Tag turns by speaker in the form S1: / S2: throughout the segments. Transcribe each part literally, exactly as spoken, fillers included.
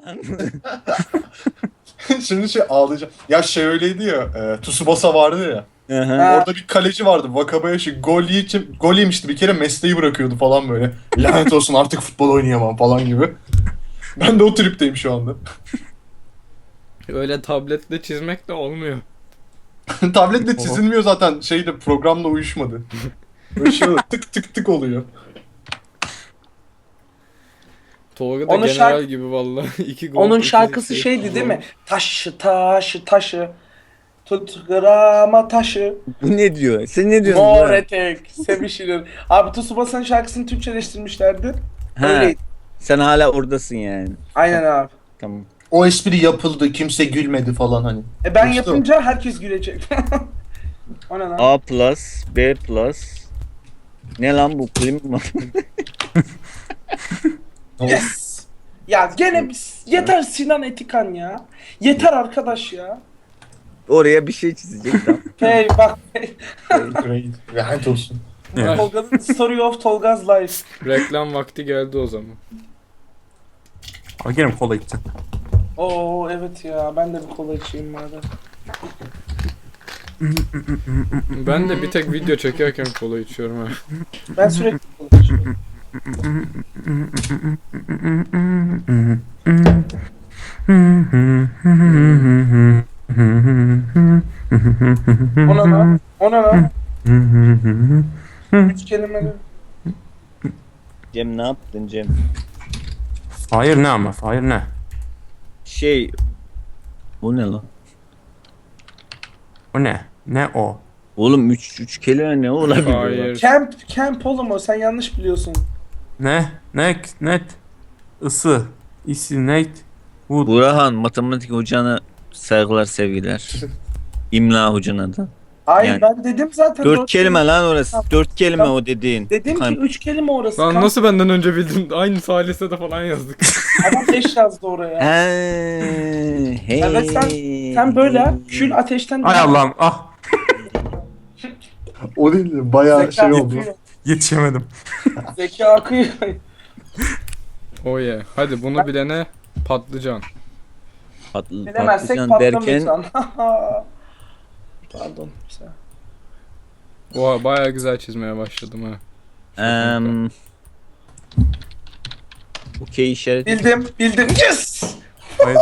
S1: Şimdi şey ağlayacağım. Ya şey öyleydi ya. E, Tsubasa vardı ya.
S2: Aha.
S3: Ha.
S1: Orada bir kaleci vardı. Wakabayashi gol yiyince, gol yemişti bir kere, mesleği bırakıyordu falan böyle. Lanet olsun artık futbol oynayamam falan gibi. Ben de o tripteyim şu anda.
S4: Öyle tabletle çizmek de olmuyor.
S1: Tabletle çizilmiyor zaten, şeyde programla uyuşmadı. Böyle şey oluyor, tık tık tık oluyor.
S4: Tolga da
S3: Onun
S4: general
S3: şarkı-
S4: gibi vallahi. İki gol.
S3: Onun
S4: iki
S3: şarkısı
S4: asist.
S3: şeydi değil mi? Taşı taşı taşı. Tut grama taşı.
S2: Bu ne diyor? Sen ne diyorsun?
S3: Mor
S2: Burak?
S3: etek. Sevişilir. Abi Tsubasa'nın şarkısını Türkçeleştirmişlerdi.
S2: Ha,
S3: Öyleydi.
S2: sen hala oradasın yani.
S3: Aynen abi.
S2: Tamam.
S1: O espri yapıldı, kimse gülmedi falan hani.
S3: E ben
S1: İşte o.
S3: yapınca herkes gülecek. O ne lan?
S2: A plus, B plus. Ne lan bu klima?
S3: Yes. Ya gene biz- yeter Sinan Etikan ya. Yeter arkadaş ya.
S2: Oraya bir şey çizecek tamam.
S3: Hey bak.
S1: Great. Lanet olsun.
S4: Evet.
S3: Tolga'nın Story of Tolga's Life.
S4: Reklam vakti geldi o zaman.
S5: Ama gene kola içeceğim.
S3: Oo evet ya ben de bir kola içeyim madem.
S4: Ben de bir tek video çekerken kola içiyorum ha.
S3: Ben sürekli kola içiyorum. Ona lan. Ona lan. Üç kelimeli.
S2: Cem ne yaptın Cem?
S5: Hayır ne ama? Hayır ne?
S2: Şey... Bu ne lan?
S5: O ne? Ne o?
S2: Oğlum üç, üç kelime ne olabilir? lan?
S4: Hayır.
S3: Camp, camp oğlum o sen yanlış biliyorsun.
S5: Ne? Ne? Net? Isı. İsi. Net. Wood.
S2: Burhan matematik hocana saygılar sevgiler. İmla hocana da.
S3: Hayır
S2: Yani-
S3: ben dedim zaten.
S2: Dört kelime lan orası. Dört kelime
S3: Tamam.
S2: o dediğin.
S3: Dedim ki
S2: Kan-
S3: üç kelime orası.
S4: Lan
S3: Kamp-
S4: nasıl benden önce bildin? Aynı salise de falan yazdık.
S3: Adam beş yazdı oraya.
S2: He, hey.
S3: Evet, Sen böyle yap. Kül ateşten...
S5: Ay Allah'ım ah.
S1: O değil de bayağı
S3: Zeka
S1: şey oldu.
S3: akıyor.
S5: Yetişemedim.
S3: Zeka akıyor.
S4: Oh yeah. Hadi bunu bilene patlıcan.
S2: Patlı,
S3: Bilemezsek
S2: patlıcan derken
S3: patlamıyorsan. Pardon. Sen-
S4: Oha bayağı güzel çizmeye başladım ha.
S2: em, okey işareti.
S3: Bildim, bildim. Yes!
S5: Hayır.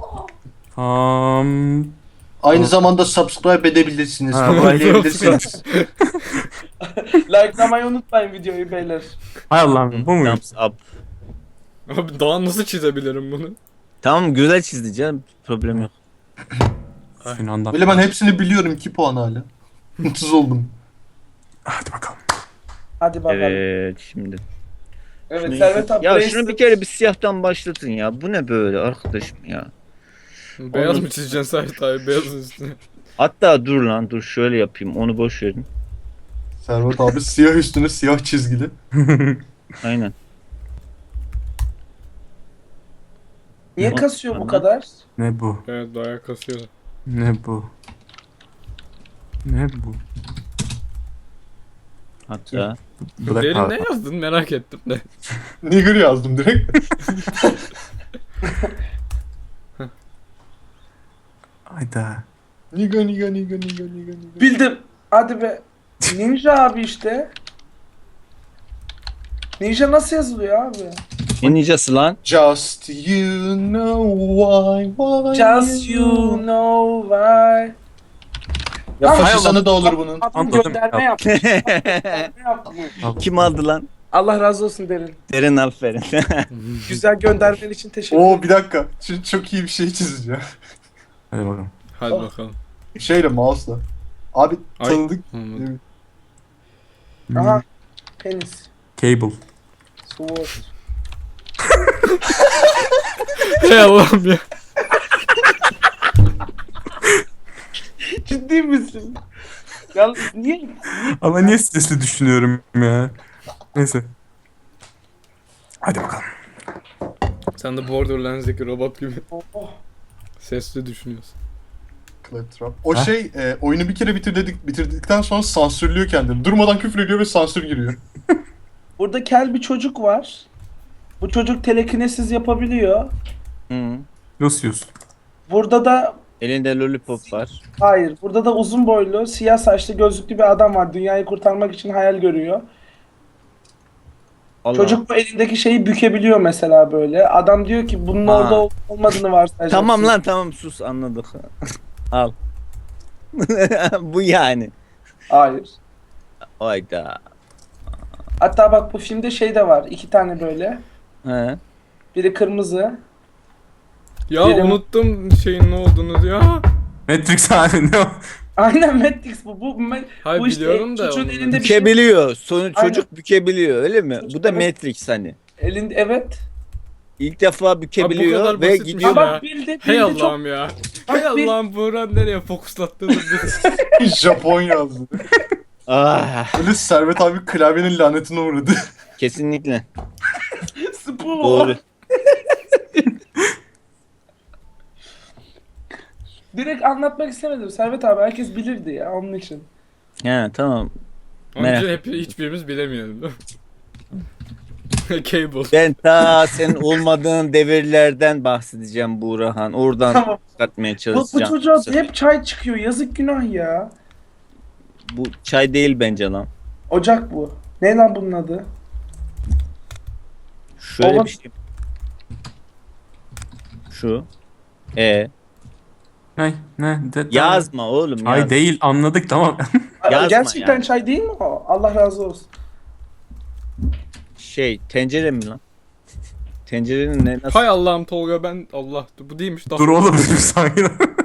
S5: Tam.
S1: Aynı zamanda subscribe edebilirsiniz.
S5: Ha,
S1: Favorileyebilirsiniz.
S3: Likelamayı unutmayın videoyu beyler.
S5: Hay Allah'ım bu muyum?
S2: Thumbs up.
S4: Abi daha nasıl çizebilirim bunu?
S2: Tamam güzel çizdi canım. Problem yok.
S5: Sinan'dan.
S1: Böyle ben hepsini biliyorum, iki puan hala. Mutsuz oldum.
S5: Hadi bakalım.
S3: Hadi bakalım. Evet,
S2: Evet şimdi. Şunu-
S3: Servet abi.
S2: ya
S3: Bracelet-
S2: şunu bir kere bir siyahtan başlatın ya. Bu ne böyle arkadaşım ya.
S4: Beyaz
S2: Oğlum.
S4: mı çizeceksin Serhat abi? Beyazın üstüne.
S2: Hatta dur lan dur şöyle yapayım. Onu boş verin.
S1: Servet abi siyah üstüne siyah çizgili.
S2: Aynen.
S3: Niye kasıyor bu kadar?
S5: Ne bu?
S4: Evet bayağı kasıyor.
S5: Ne bu? Ne bu?
S2: Hatta
S5: Black
S4: Derin ne
S5: Panther.
S4: yazdın merak ettim de.
S1: Nigger yazdım direkt.
S5: Hayda.
S1: Niga niga niga niga niga niga.
S3: Bildim. Hadi be. Ninja abi işte. Ninja nasıl yazılıyor abi?
S2: ne nicası lan?
S1: Just you know why why
S3: Just you know why.
S1: Ya
S3: Hay
S1: faşistanı da olur bunun.
S3: Adam
S5: Anladım.
S3: gönderme yapmış. Gönderme yapmış.
S2: Kim aldı lan?
S3: Allah razı olsun derin.
S2: Derin aferin.
S3: Güzel göndermen için teşekkür
S1: Oo
S3: ederim.
S1: bir dakika. Şimdi çok iyi bir şey çizeceğim.
S5: Hadi bakalım.
S4: Hadi
S3: Oh.
S4: bakalım.
S1: Şeyle, mouse'la. Abi
S4: Ay.
S1: tanıdık.
S4: Anladım.
S3: Aha. Penis.
S5: Cable.
S3: Sword.
S4: Hey Allah'ım ya.
S3: Ciddi misin? Yalnız niye?
S5: Ama niye stresli düşünüyorum ya? Neyse. Hadi bakalım.
S4: Sen de Borderlands'deki robot gibi
S3: Oh.
S4: sesli düşünüyorsun.
S1: Claptrap. O
S5: Ha?
S1: şey e, oyunu bir kere bitirdik, bitirdikten sonra sansürlüyor kendini. Durmadan küfür ediyor ve sansür giriyor.
S3: Burada kel bir çocuk var. Bu çocuk telekinesiz yapabiliyor.
S2: Hı.
S5: Lucius.
S3: Burada da
S2: Elinde lollipop var.
S3: hayır. Burada da uzun boylu, siyah saçlı, gözlüklü bir adam var. Dünyayı kurtarmak için hayal görüyor.
S2: Allah.
S3: Çocuk bu elindeki şeyi bükebiliyor mesela böyle. Adam diyor ki bunun
S2: Ha.
S3: orada ol- olmadığını varsayacaksın.
S2: Tamam lan tamam sus anladık. Al. Bu yani.
S3: Hayır.
S2: Hayda.
S3: Hatta bak bu filmde şey de var. İki tane böyle.
S2: He.
S3: Biri kırmızı.
S4: Ya
S3: Benim-
S4: unuttum şeyin ne olduğunu ya.
S5: Matrix halinde o.
S3: Aynen Matrix bu. Bu, Ma-
S4: Hayır
S3: bu işte
S4: biliyorum da.
S3: çocuğun
S4: onu.
S3: elinde bir şey.
S2: Bükebiliyor. Sonu
S3: Aynen.
S2: çocuk bükebiliyor öyle mi?
S3: Çocuk
S2: Bu da
S3: evet.
S2: Matrix hani.
S3: Elinde evet.
S2: İlk defa
S4: kadar
S2: bükebiliyor ve
S4: basitmiş
S2: gidiyor.
S3: Ha
S4: ya.
S3: bak bildi.
S4: Hey
S3: bildi çok.
S4: Allah'ım ya. Hey
S3: Bak, bir-
S4: Allah'ım Buğra nereye fokuslattığını bil.
S1: Japon yazdı.
S2: Ah,
S1: Böyle Servet abi klavyenin lanetine uğradı.
S2: kesinlikle.
S3: Spool.
S2: Doğru.
S3: Direkt anlatmak istemedim Servet abi. Herkes bilirdi ya onun için.
S2: He tamam.
S4: Onun
S2: Merak
S4: için hep, hiçbirimiz bilemiyoruz değil mi? Cable.
S2: Ben ta senin olmadığın devirlerden bahsedeceğim Buğrahan. Oradan
S3: Tamam.
S2: çıkartmaya
S3: Bu, bu
S2: çalışacağım.
S3: çocuğa hep çay çıkıyor. Yazık günah ya.
S2: Bu çay değil bence lan.
S3: Ocak bu. Ne lan bunun adı?
S2: Şöyle
S3: Oğlum.
S2: bir şey. Şu. E.
S5: Ne? Ne? De,
S2: Yazma oğlum
S5: Ay
S2: yaz.
S5: değil anladık tamam.
S3: Aa,
S2: Yazma
S3: Gerçekten
S2: yani.
S3: çay değil mi o? Allah razı olsun.
S2: Şey tencere mi lan? Tencerenin ne nasıl?
S4: Hay Allah'ım Tolga ben Allah bu değilmiş. Daha
S5: Dur oğlum sakin ol.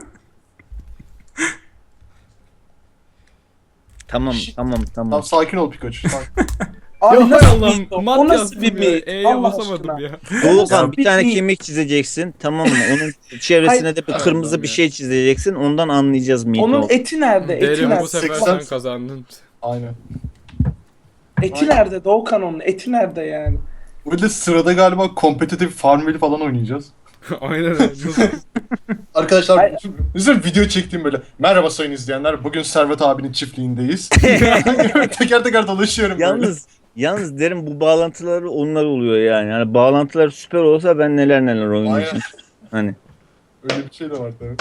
S2: Tamam
S3: Şşt.
S2: tamam tamam.
S1: Tamam sakin ol Pikachu. Sakin.
S3: Abi
S4: Ya hay
S3: nasıl
S4: Allah'ım
S3: bir o?
S4: mat
S3: O nasıl
S4: yazdım
S3: bir
S4: ya.
S3: mit?
S4: E'ye
S3: Allah
S4: basamadım
S3: aşkına.
S4: ya.
S2: Doğukan bir
S3: bir
S2: tane
S3: mi?
S2: kemik çizeceksin tamam mı? Onun içerisine
S3: Hayır.
S2: de bir kırmızı bir şey çizeceksin. Ondan anlayacağız mıydı
S3: Onun
S2: o?
S3: eti nerede? Eti
S4: Derim bu
S3: nerede?
S4: sefer
S1: seksen
S4: sen kazandın.
S1: Aynen.
S3: Eti nerede? Doğukan onun. Eti nerede yani?
S1: Böyle sırada galiba kompetitif Farmville falan oynayacağız.
S4: Aynen öyle. Nasıl?
S1: Arkadaşlar
S3: Hayır.
S1: bizim video çektiğim böyle. Merhaba sayın izleyenler. Bugün Servet abinin çiftliğindeyiz. teker teker dolaşıyorum böyle.
S2: Yalnız yalnız derim bu bağlantıları onlar oluyor yani. Hani bağlantılar süper olsa ben neler neler oynayacağım. Hani
S1: Öyle bir şey de var tabii.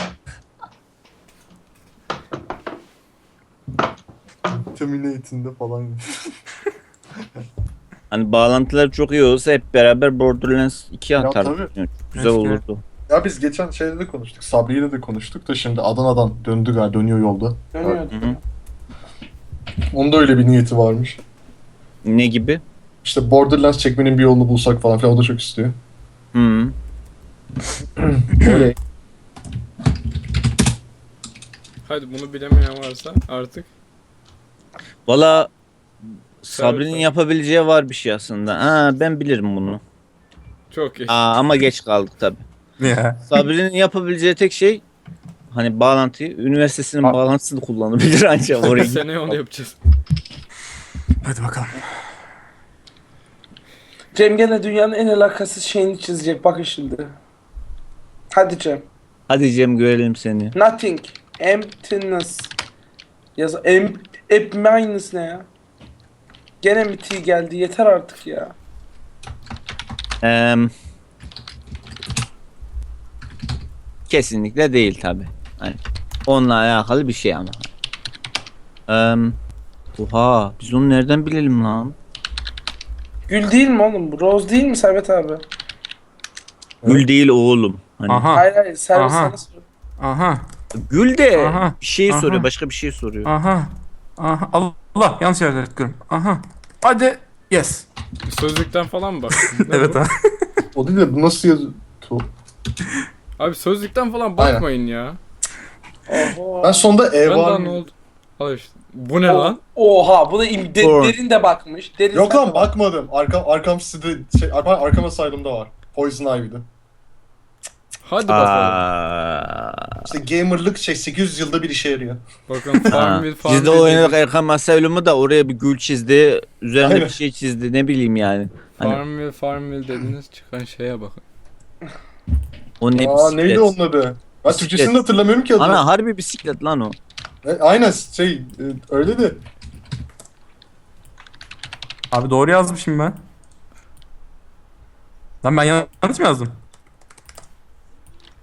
S1: Terminate'inde falan.
S2: hani bağlantılar çok iyi olsa hep beraber Borderlands iki
S1: Ya
S2: atardık.
S1: tabii.
S2: Yani güzel
S5: Keşke.
S2: olurdu.
S1: Ya biz geçen şeyde de konuştuk. Sabri'yle de konuştuk da şimdi Adana'dan döndü galiba. Dönüyor yolda.
S3: Dönüyordu.
S2: Hı hı.
S1: Onun da öyle bir niyeti varmış.
S2: Ne gibi?
S1: İşte Borderlands çekmenin bir yolunu bulsak falan filan o da çok istiyor.
S2: Hı.
S1: Öyle.
S4: Hadi bunu bilemeyen varsa artık.
S2: Valla Sabri'nin
S4: Evet.
S2: yapabileceği var bir şey aslında. Ha ben bilirim bunu.
S4: Çok iyi.
S2: Aa, ama geç kaldık tabi.
S5: Ya.
S2: Sabri'nin yapabileceği tek şey hani bağlantıyı, üniversitesinin
S1: Ha.
S2: bağlantısını kullanabilir ancak oraya.
S4: Seneye onu yapacağız.
S5: Hadi bakalım.
S3: Cem gene dünyanın en alakasız şeyini çizecek. Bakın şimdi. Hadi Cem.
S2: Hadi Cem görelim seni.
S3: Nothing. Emptiness. Yaz. Em, ep minus ne ya? Gene mi T geldi? Yeter artık ya.
S2: Eee kesinlikle değil tabi. Hani onunla alakalı bir şey ama. Eee oha biz onu nereden bilelim lan?
S3: Gül değil mi oğlum bu? Rose değil mi Servet abi?
S2: Gül değil oğlum. Hani
S5: Aha.
S3: Hayır hayır. Servet
S5: Aha.
S3: sana sor.
S5: Aha.
S2: gül de
S5: Aha,
S2: bir şey
S5: aha.
S2: soruyor, başka bir şey soruyor.
S5: Aha. Aha. Allah yanlış yerde tıklıyorum. Aha. Hadi. Yes.
S4: Sözlükten falan mı baktın? Ne
S5: Evet
S4: bu?
S5: ha.
S1: O değil de bu nasıl yazıyor?
S4: Abi sözlükten falan bakmayın ya.
S3: Oho.
S1: Ben sonda
S4: Ben
S1: E
S4: daha
S1: var
S4: ne
S1: mı?
S4: oldu? Al işte. Bu ne
S3: O-
S4: lan?
S3: Oha bu da im- de-
S2: Doğru.
S3: derin de bakmış. Derin
S1: Yok
S3: sen
S1: lan
S3: de bak.
S1: bakmadım. Arkam arkam sitede şey arkam, arkam asylum'da var. Poison Ivy'de.
S4: Hadi bakalım.
S2: Aa,
S1: İşte gamerlık şey sekiz yüz yılda bir işe yarıyor.
S4: Bakın
S2: ha.
S4: Farmville Farmville.
S2: Biz de oynadık Erkan Asylum'u da oraya bir gül çizdi. Üzerine
S1: Aynen.
S2: bir şey çizdi ne bileyim yani. Hani
S4: Farmville Farmville dediniz çıkan şeye bakın.
S2: o ne
S1: Aa
S2: bisiklet.
S1: neydi onun adı? Ben
S2: Bisiklet.
S1: Türkçesini de hatırlamıyorum ki adını.
S2: Ana harbi bisiklet lan o.
S1: E, aynen şey e, öyle de.
S5: Abi doğru yazmışım ben. Lan ben yanlış mı yazdım?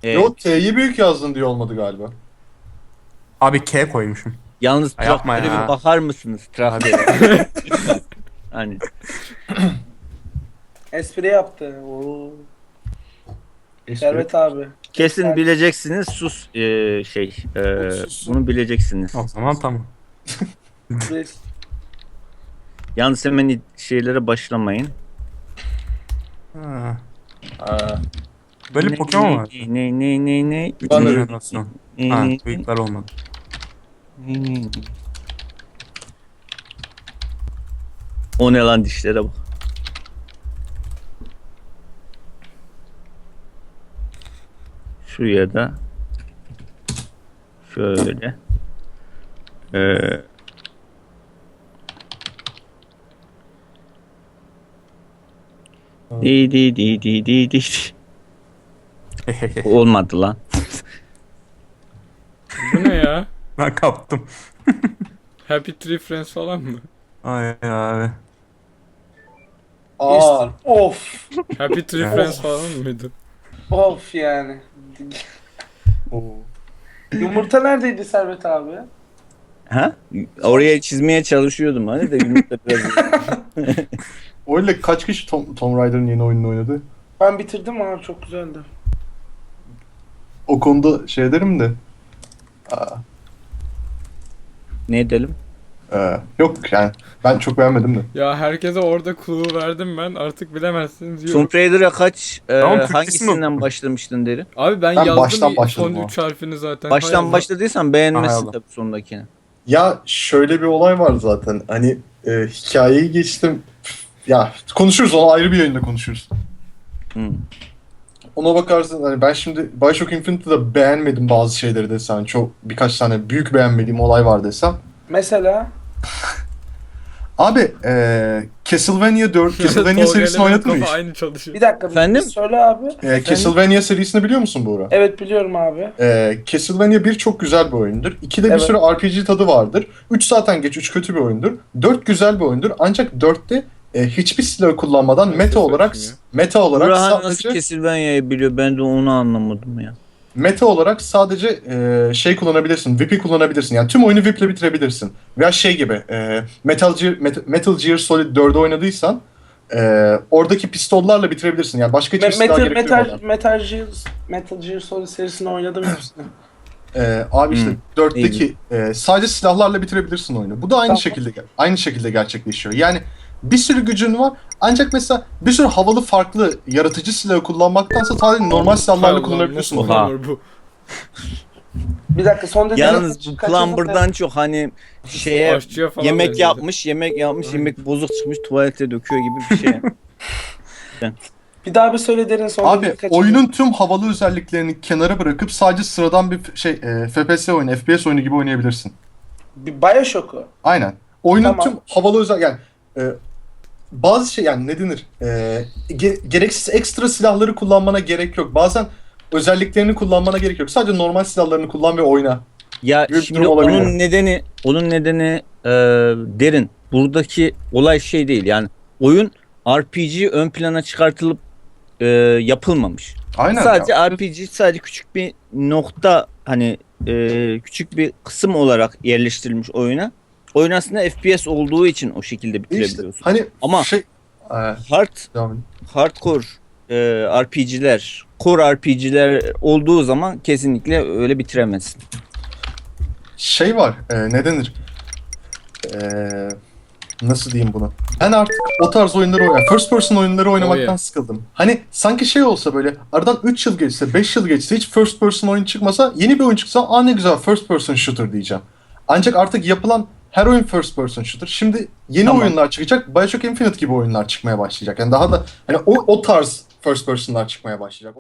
S2: E,
S1: Yo T'yi büyük yazdın diye olmadı galiba.
S5: Abi K koymuşum.
S2: Yalnız
S5: Ya yapma
S2: traktöre
S5: ya.
S2: bir bakar mısınız? Traktöre. Hani
S3: Espri yaptı. Oo. Servet abi.
S2: kesin
S3: Ben-
S2: bileceksiniz sus e, şey e,
S1: Sus.
S2: bunu bileceksiniz.
S5: O zaman tamam.
S3: Biz-
S2: Yalnız hemen şeylere başlamayın.
S5: Ha.
S1: Ha.
S5: Böyle
S2: Ne-
S5: Pokemon var.
S2: Ne ne ne ne.
S1: Ben de-
S5: Üçüncü jenerasyon.
S2: Ne,
S5: Ha,
S2: ne,
S5: büyükler olmadı.
S2: ne, ne, ne. O ne lan dişlere bak. Şuraya da şöyle ee, di di di di di di. Olmadı lan.
S4: Bu ne ya?
S5: Ben kaptım.
S4: Happy Tree Friends falan mı?
S5: Ay abi.
S1: Aa.
S3: Of.
S4: Happy Tree
S5: Evet.
S4: Friends falan mıydı?
S3: Of yani.
S1: Oo.
S3: Yumurta neredeydi Servet abi?
S2: Ha? Oraya çizmeye çalışıyordum hani de yumurta biraz.
S1: Öyle kaç kişi Tom, Tomb Raider'ın yeni oyununu oynadı?
S3: Ben bitirdim abi, çok güzeldi.
S1: O konuda şey derim de. Aa,
S2: Ne edelim?
S1: e, yok yani ben çok beğenmedim de.
S4: Ya herkese orada clue verdim ben, artık bilemezsiniz diyorum.
S2: Tomb Raider'a kaç e,
S5: Tamam, Türkçesini
S2: hangisinden
S5: oku.
S2: başlamıştın deri?
S4: Abi ben,
S1: Ben
S4: yazdım
S1: baştan
S4: son
S1: başladım ama.
S4: üç harfini zaten. Hay
S2: Baştan
S4: Allah.
S2: başladıysan
S5: Hay
S2: beğenmezsin
S5: Allah.
S2: tabii sondakini.
S1: Ya şöyle bir olay var zaten. Hani e, hikayeyi geçtim. Ya konuşuruz, onu ayrı bir yayında konuşuruz.
S2: Hmm.
S1: Ona bakarsın hani ben şimdi Bioshock Infinite'de beğenmedim bazı şeyleri desem. Çok birkaç tane büyük beğenmediğim olay var desem.
S3: Mesela
S1: Abi e, Castlevania dört, Castlevania
S4: Tolga
S1: serisini
S4: ile benim
S1: oynadın mı
S4: kafa
S1: hiç?
S4: aynı çalışıyor.
S3: bir dakika bir-
S2: Efendim?
S3: bir söyle abi.
S1: E, Castlevania serisini biliyor musun Buğra?
S3: Evet biliyorum abi.
S1: E, Castlevania bir çok güzel bir oyundur. ikide bir
S3: Evet.
S1: sürü R P G tadı vardır. üç zaten geç, üç kötü bir oyundur. dört güzel bir oyundur. Ancak dörtte e, hiçbir silah kullanmadan
S4: Nefes
S1: meta olarak
S4: versin
S1: meta olarak
S2: Burhan nasıl
S1: sadece
S2: Castlevania'yı biliyor, ben de onu anlamadım ya.
S1: meta olarak sadece e, şey kullanabilirsin. V I P'i kullanabilirsin. Yani tüm oyunu V I P'le bitirebilirsin. Veya şey gibi e, Metal Gear Met- Metal Gear Solid dördü oynadıysan e, oradaki pistollarla bitirebilirsin. Yani başka hiçbir
S3: Me-
S1: silah
S3: Metal,
S1: gerektirmeden.
S3: Metal, Metal Gear, Metal Gear Solid serisini oynadım hepsini.
S1: Ee, abi işte
S2: Hmm.
S1: dörtteki e, sadece silahlarla bitirebilirsin oyunu. Bu da aynı
S3: Tamam.
S1: şekilde aynı şekilde gerçekleşiyor. Yani bir sürü gücün var. Ancak mesela bir sürü havalı farklı yaratıcı silahı kullanmaktansa sadece normal
S4: Hay
S1: silahlarla
S4: Allah,
S1: kullanabilirsin
S4: nasıl
S1: oyunu.
S4: olur bu?
S3: Bir dakika son dediğini
S2: Yalnız
S3: kaç-
S2: bu
S3: kaçırdın da-
S2: Plumber'dan çok hani şeye
S4: Aşçıya falan
S2: yemek
S4: benziyordu.
S2: yapmış, yemek yapmış, yemek bozuk çıkmış, tuvalete döküyor gibi bir şey.
S3: Bir daha bir söyle derin son
S1: Abi
S3: dediğini kaçırdın.
S1: oyunun tüm havalı özelliklerini kenara bırakıp sadece sıradan bir f- şey e, F P S oyunu, F P S oyunu gibi oynayabilirsin.
S3: Bir Bioshock'u.
S1: Aynen. Oyunun
S3: Tamam.
S1: tüm havalı özel yani e, bazı şey yani ne denir? E, ge- gereksiz ekstra silahları kullanmana gerek yok. Bazen özelliklerini kullanmana gerek yok. Sadece normal silahlarını kullan ve oyna.
S2: Ya
S1: Büyük
S2: şimdi
S1: durum olabilir.
S2: onun nedeni, onun nedeni e, derin. Buradaki olay şey değil yani oyun R P G ön plana çıkartılıp e, yapılmamış.
S1: Aynen.
S2: Sadece
S1: ya.
S2: R P G sadece küçük bir nokta hani e, küçük bir kısım olarak yerleştirilmiş oyuna. Oyun aslında F P S olduğu için o şekilde
S1: İşte,
S2: bitirebiliyorsun.
S1: hani
S2: Ama-
S1: şey e,
S2: Hard
S1: devam edin.
S2: hardcore e, R P G'ler, core R P G'ler olduğu zaman kesinlikle öyle bitiremezsin.
S1: Şey var, e, ne denir? E, nasıl diyeyim bunu? Ben artık o tarz oyunları oynuyorum. First person oyunları oynamaktan
S4: Oh yeah.
S1: sıkıldım. Hani sanki şey olsa böyle aradan üç yıl geçse, beş yıl geçse hiç first person oyun çıkmasa yeni bir oyun çıksa aa ne güzel first person shooter diyeceğim. Ancak artık yapılan her oyun first person shooter. Şimdi yeni
S2: Tamam.
S1: oyunlar çıkacak. Bioshock Infinite gibi oyunlar çıkmaya başlayacak. Yani daha da hani o, o tarz first person'lar çıkmaya başlayacak.